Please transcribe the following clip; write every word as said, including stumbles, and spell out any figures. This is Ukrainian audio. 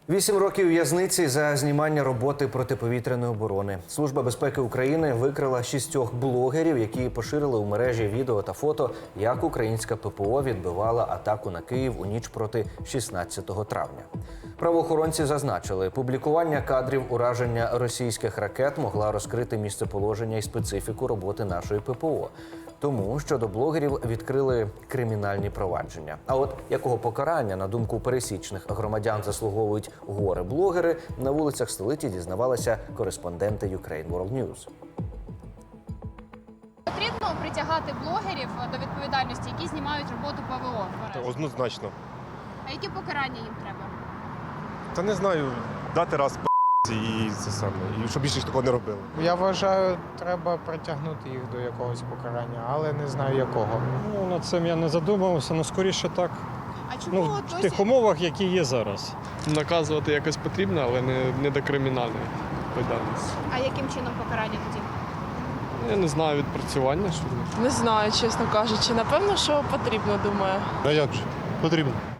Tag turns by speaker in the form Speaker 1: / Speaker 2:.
Speaker 1: Вісім років в'язниці за знімання роботи протиповітряної оборони. Служба безпеки України викрила шістьох блогерів, які поширили у мережі відео та фото, як українська ППО відбивала атаку на Київ у ніч проти шістнадцятого травня. Правоохоронці зазначили, публікування кадрів ураження російських ракет могла розкрити місцеположення і специфіку роботи нашої ППО. Тому щодо блогерів відкрили кримінальні провадження. А от якого покарання, на думку пересічних громадян, заслуговують горе-блогери, на вулицях столиці дізнавалися кореспонденти Ukraine World News.
Speaker 2: Потрібно притягати блогерів до відповідальності, які знімають роботу ПВО в мережі?
Speaker 3: Однозначно.
Speaker 2: А які покарання їм треба?
Speaker 3: Та не знаю, дати раз по і це саме, і щоб більше такого не робили.
Speaker 4: Я вважаю, треба притягнути їх до якогось покарання, але не знаю якого.
Speaker 5: Ну, над цим я не задумувався, але скоріше так.
Speaker 2: А чому
Speaker 5: Ну,
Speaker 2: досі...
Speaker 5: в тих умовах, які є зараз.
Speaker 6: Наказувати якось потрібно, але не, не до кримінальної відповідальності.
Speaker 2: А яким чином покарання тоді?
Speaker 6: Я не знаю, відпрацювання, що ли.
Speaker 7: Не знаю, чесно кажучи. Напевно, що потрібно, думаю.
Speaker 3: А як же? Потрібно.